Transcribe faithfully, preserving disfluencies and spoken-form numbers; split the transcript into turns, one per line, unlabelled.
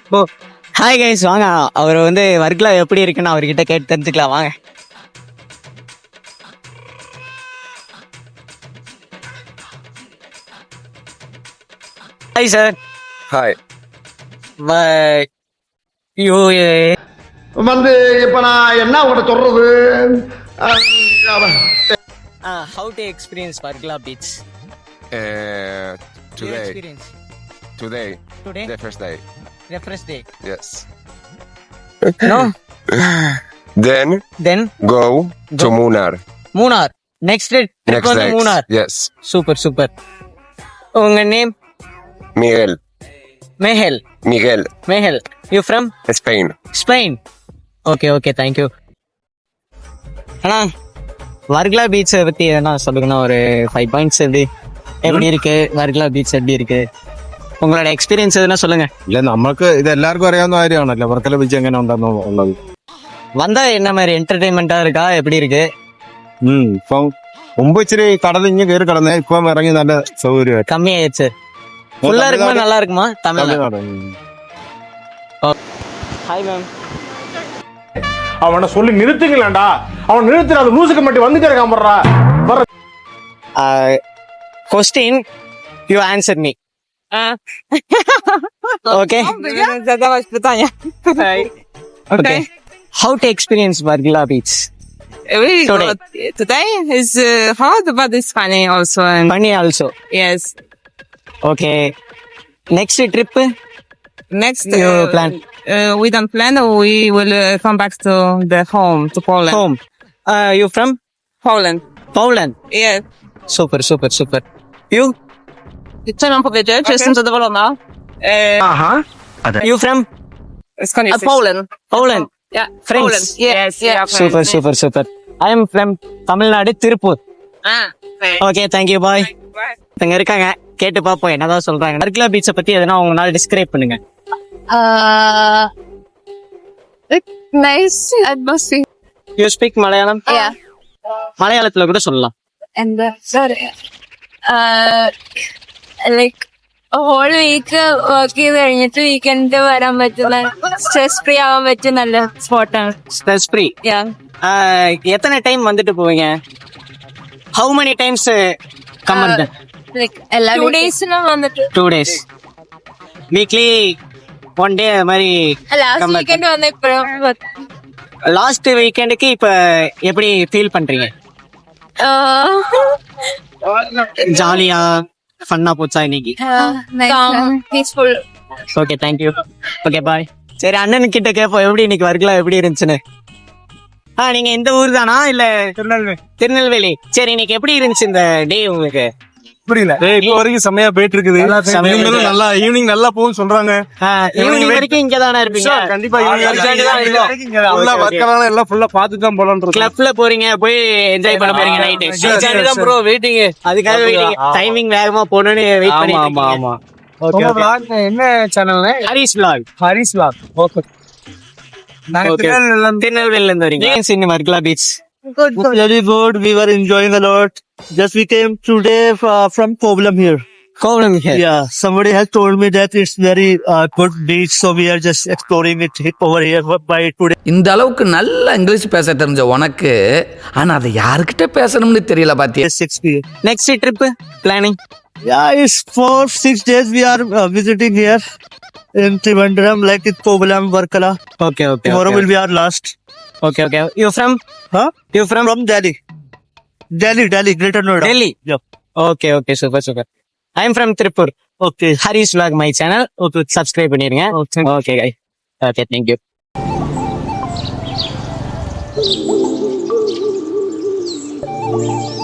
ஓ hi guys, வாங்க அவர் வந்து ஒர்க்ல எப்படி இருக்குன்னு அவர்கிட்ட கேட்டு தெரிஞ்சுக்கலாம் வாங்க. Hi sir.
ஹாய்.
யூ
வந்து இப்ப நான் என்ன உங்கள்கிட்ட சொல்றது?
How to experience Varkala beach
Uh, today,
experience
today,
today
the first day.
the first day.
Yes.
No.
Then
Then
go to Munnar.
Munnar. Next day
Next
வந்து
day.
Munnar.
Yes.
Super super. உங்க name?
Miguel.
மேஹெல்.
Miguel.
மேஹெல். You from
Spain.
Spain. Okay okay, thank you. அண்ணா வர்க்லா பீச்சை பற்றி எதனா சொல்லுங்கண்ணா, ஒரு five points எப்படி எப்படி இருக்கு வர்க்லா பீச் எப்படி இருக்கு, உங்களோட എക്സ്പീരിയൻസ് എதுனா சொல்லுங்க.
ഇല്ല, നമുക്ക് ഇത് എല്ലാവർക്കും അറിയാവുന്ന കാര്യമാണല്ലോ വർക്കല ബീച്ച് എങ്ങനെ ഉണ്ടെന്ന് ഉള്ളത്.
வந்தா என்ன மாதிரி என்டர்டைன்மெண்டா இருக்கா, எப்படி இருக்கு?
ഉം ഇപ്പം മുമ്പ് ഇച്ചിരി കടൽ ഇങ്ങനെ കയറി കിടന്നേ, ഇപ്പം ഇറങ്ങി നല്ല സൗകര്യമായിട്ട്.
கம்மியாயிடுச்சு. ஃபுல்லா இருக்குமா நல்லா இருக்குமா? தமிழ்நாடு. Hi ma'am.
அவனை சொல்லி நிறுத்துங்களேன்டா. அவன் நிறுத்துற அந்த லூசுக்கு மட்டும் வந்துட்டே இருக்கான் போடுறா.
Question you answer me. Okay.
Zadałeś pytania.
Okay. How to experience Vargila Beach?
Really
Today.
good. Today is uh, hard, but it's funny also. And
Funny also.
yes,
Okay. Next trip?
next
You
uh,
plan?
Uh, we don't plan. We will uh, come back to the home to Poland.
Home. Uh, you from?
Poland.
Poland.
Yes.
Super, super, super. You?
Co mam powiedzieć? Okay. Jestem zadowolona. Uh,
You from?
uh, Poland.
Poland.
Yeah.
Friends.
Poland. Yes. Yeah.
Super, super, super. I am from Tamil Nadu, Tirupur.
Ah. Okay.
Okay, thank you. Bye.
Bye.
இங்க இருக்காங்க, கேட்டு பாப்போம் என்னதான் சொல்றாங்க. வர்க்லா பீச்சை பத்தி எதனா உங்களால டிஸ்கிரைப் பண்ணுங்க.
Uh, nice atmosphere.
You speak Malayalam?
Yeah.
மலையாளத்துல கூட சொல்லலாம்.
And the, sorry. Uh, like whole week work ചെയ്ത് കഴിഞ്ഞിട്ട് വീക്കെൻഡ് വരാൻ പറ്റുന്ന സ്ട്രെസ് ഫ്രീ ആവാൻ പറ്റിയ നല്ല സ്പോട്ടാണ്.
Stress free. எத்தனை டைம் வந்துட்டு போவீங்க? ஹவு மெனி டைம்ஸ் கம் வந்து?
ലൈക്ക് എല്ലാ ടു ഡേയ്സിനും വന്നിട്ട്
two days weekly one day மாதிரி.
ലാസ്റ്റ് വീക്കെൻഡ് വന്ന ഇപ്പോഴും
லாஸ்ட் வீக்கெண்டுக்கு இப்ப எப்படி ஃபீல் பண்றீங்க? ஜாலியா ஃபன்னா போச்சா இன்னைக்கு?
Peaceful.
Okay, thank you. Okay, bye. சரி, அண்ணன் கிட்ட கேட்போம் எப்படி இன்னைக்கு வர்க்லா எப்படி இருந்துச்சுன்னு. ஆ நீங்க இந்த ஊர் தானா இல்ல திருநெல்வேலி? திருநெல்வேலி. சரி, இன்னைக்கு எப்படி இருந்துச்சு இந்த டே உங்களுக்கு?
புரியல. இப்போ வரைக்கும் செம்மையா போயிட்டு இருக்குது. இவங்களும் நல்லா ஈவினிங் நல்லா போகும் சொல்றாங்க.
ஈவினிங் வரைக்கும் இங்க தானே இருப்பீங்க?
கண்டிப்பா வர்க்கலால எல்லாம் ஃபுல்லா பாத்துட்டு தான் போலாம்னு.
கிளப்ல போறீங்க, போய் என்ஜாய் பண்ண போறீங்க நைட். ப்ரோ வெயிட்டிங், அதுக்காக வெயிட்டிங். டைமிங் வேகமா போணும்னு வெயிட் பண்ணிட்டு
ஆமா
இருக்கீங்க.
ஆமா.
ஓகே vlog
என்ன சேனல்ல?
Haris vlog.
Haris vlog. Okay. நாங்க
திருநெல்வேலில இருந்து வரீங்க. இந்த Varkala beach
Good, good. Very good. We were enjoying a lot. Just we came today uh, from Kovalam here.
Kovalam here.
Yeah, somebody has told me that it's very uh, good beach, so we are just exploring it over here by today.
இந்த அளவுக்கு நல்ல English பேச தெரிஞ்ச உனக்கு ஆனா அதை யாருக்கிட்ட பேசணும்னு தெரியல பாத்தியா.
six p m.
Next trip planning?
Yeah, it's four six days we are uh, visiting here in Trivandrum, like in Kovalam, Varkala.
Okay okay.
Tomorrow will be our last.
Okay okay. You from?
Huh?
You from?
From Delhi. Delhi, Delhi, Greater Noida.
Delhi.
Yep.
Okay okay, super super. I am from Tiruppur.
Okay.
Haris vlog my channel. Okay, subscribe பண்ணிருங்க. Okay கை. Okay, thank you.